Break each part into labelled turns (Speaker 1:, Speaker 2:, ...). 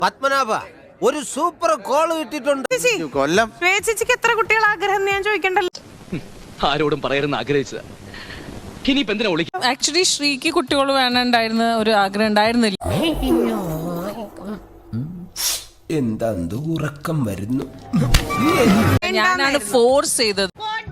Speaker 1: പത്മനാഭ ഒരു super call കിട്ടിയിട്ടുണ്ട്.
Speaker 2: കൊല്ലം
Speaker 3: ചേച്ചിക്ക് എത്ര കുട്ടികൾ ആഗ്രഹം ഞാൻ ചോദിക്കണ്ടല്ലോ.
Speaker 4: ആരോടും പറയരുന്ന് ആഗ്രഹിച്ചതാ. ഇനിയിപ്പോ എന്തിനാ വിളിക്കും?
Speaker 5: ആക്ച്വലി ശ്രീക്ക് കുട്ടികൾ വേണണ്ടായിരുന്ന ഒരു ആഗ്രഹം ഉണ്ടായിരുന്നില്ല.
Speaker 1: എന്താ ഉറക്കം വരുന്നു.
Speaker 5: ഞാനാണ് ഫോഴ്സ് ചെയ്തത്.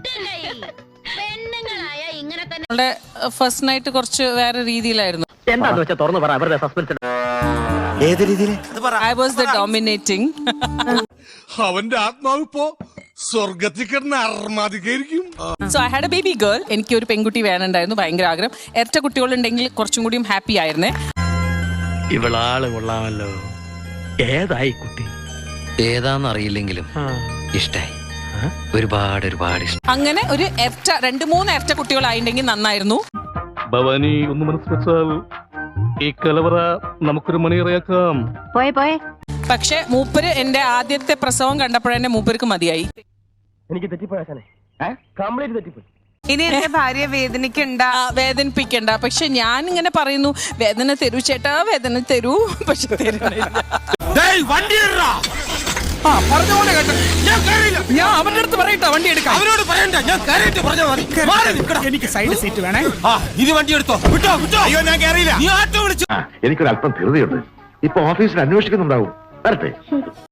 Speaker 5: അവളുടെ ഫസ്റ്റ് നൈറ്റ് കുറച്ച് വേറെ രീതിയിലായിരുന്നു.
Speaker 4: എന്താന്ന് വെച്ചാ തുറന്നു പറ, അവരുടെ സസ്പെൻസ്.
Speaker 2: ഏത് രീതിയിൽ?
Speaker 5: I was the dominating.
Speaker 6: അവന്റെ ആത്മാവ് ഇപ്പോ സ്വർഗത്തിൽ കിടന്ന് അർമാദിക്കായിരിക്കും.
Speaker 5: So I had a baby girl. എനിക്ക് ഒരു പെൺകുട്ടി വേണണ്ടായിരുന്നു, ഭയങ്കര ആഗ്രഹം. ഇരട്ട കുട്ടികളുണ്ടെങ്കിൽ കുറച്ചും കൂടിയും ഹാപ്പി ആയിരുന്നേ.
Speaker 4: ഇവളാള് കൊള്ളാമല്ലോ. ഏതായി കുട്ടി?
Speaker 7: ഏതാന്നറിയില്ലെങ്കിലും ഇഷ്ടായി. ഒരുപാട് ഇഷ്ടം.
Speaker 5: അങ്ങനെ ഒരു ഇരട്ട 2-3 ഇരട്ട കുട്ടികളായിട്ടുണ്ടെങ്കിൽ നന്നായിരുന്നു.
Speaker 4: ഭവാനി ഒന്ന് മനസ്സ് വെച്ചാൽ ഈ കലവറ നമുക്കൊരു മണിയറയാക്കാം.
Speaker 5: പക്ഷെ മൂപ്പര് എന്റെ ആദ്യത്തെ പ്രസവം കണ്ടപ്പോഴെന്നെ മൂപ്പർക്ക് മതിയായി.
Speaker 4: എനിക്ക് തെറ്റിപ്പോയാശാനെ, കംപ്ലീറ്റ് തെറ്റിപ്പോയി.
Speaker 3: ഇനി എന്റെ ഭാര്യ വേദനിക്കണ്ട,
Speaker 5: വേദനിപ്പിക്കണ്ട. പക്ഷെ ഞാൻ ഇങ്ങനെ പറയുന്നു, വേദന തരൂ ചേട്ടാ, വേദന തരൂ. പക്ഷെ തരുന്നില്ല.
Speaker 8: ഞാൻ അവന്റെ അടുത്ത് പറയട്ടെ വണ്ടി എടുക്കാം.
Speaker 1: അവരോട് പറയണ്ട, ഞാൻ കയറിയിട്ട് പറഞ്ഞാൽ മതി.
Speaker 8: എനിക്ക് സൈഡ് സീറ്റ് വേണേ.
Speaker 1: ഇത് വണ്ടി എടുത്തോ. വിട്ടോ. അയ്യോ ഞാൻ കയറിയില്ല. നീ ആട്ടോ വിളിച്ചു.
Speaker 9: എനിക്കൊരല്പം ധൃതിയുണ്ട്. ഇപ്പൊ ഓഫീസിൽ അന്വേഷിക്കുന്നുണ്ടാവും. വരട്ടെ.